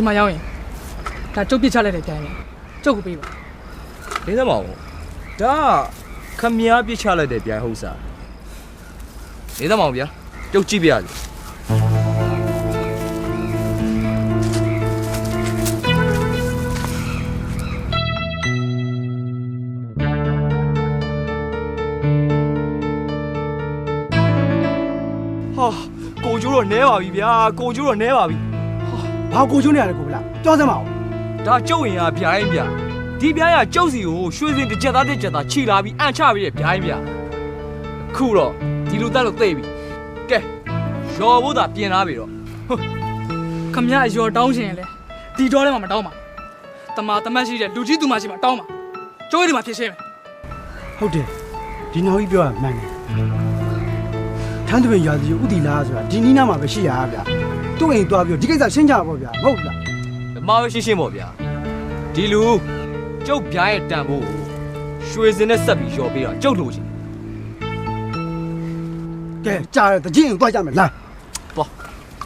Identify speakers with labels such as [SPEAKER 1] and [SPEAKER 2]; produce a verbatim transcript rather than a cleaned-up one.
[SPEAKER 1] ဒီမှာရောက်ရင်ဒါကျုပ်ပြစ်ချလိုက်တဲ့ပြန်ရင်ကျုပ်ကိုပေးပါ
[SPEAKER 2] နေသမောင်ဒါခမည်းပြစ်ချလိုက်တဲ့ပြန်ဟုတ်စားနေသမောင်ဗျာကျုပ်ကြည့်ပြရစီဟာကိုကျိုးတော့နဲပါပြီဗျာကိုကျိုးတော့နဲပါပြီ
[SPEAKER 3] ဘာကိုကျိုးနေရတယ်ကိုဗလားကြောက်စမ်းပါဦး
[SPEAKER 2] ဒါကျုပ်ရင်ကဗျာရင်ဗျာဒီဗျာရကျုပ်စီကိုရွှေစင်တစ်ချက်သားတစ်ချက်သားခြိလာပြီးအန်ချပြီးတဲ့ဗျာရင်ဗျာခုတော့ဒီလိုတက်လို့သိပြီကဲရော်ဖို့သာပြင်လာပြီတော့
[SPEAKER 1] ခမရအယော်တောင်းရှင်လေဒီတော့လည်းမတောင်းပါတမာတမတ်ရှိတဲ့လူကြီးသူမရှိမှတောင်းပါကျိုးရည်ဒီမှာဖြစ်ရှင်းမယ်
[SPEAKER 3] ဟုတ်တယ်ဒီနောက်ကြီးပြောရမှန်တယ်ထန်းသွင်းရာစီဥတီလားဆိုတာဒီနီးနားမှာပဲရှိရတာဗျာသူ့အိမ်သွားပြီးဒီကိစ္စရှင်းကြပါပေါ့ဗျာမဟုတ်လား
[SPEAKER 2] ဓမ္မပဲရှင်းရှင်းပေါ့ဗျာဒီလူကျုပ်ဗျာရဲ့တန်ဖို့ရွှေစင်နဲ့ဆက်ပြီးရော်ပေးတော့ကျုပ်လို့ချင်း
[SPEAKER 3] ကဲကြားရတဲ့ကြည့်ရင်သွားကြမယ်လား
[SPEAKER 2] ပေါ့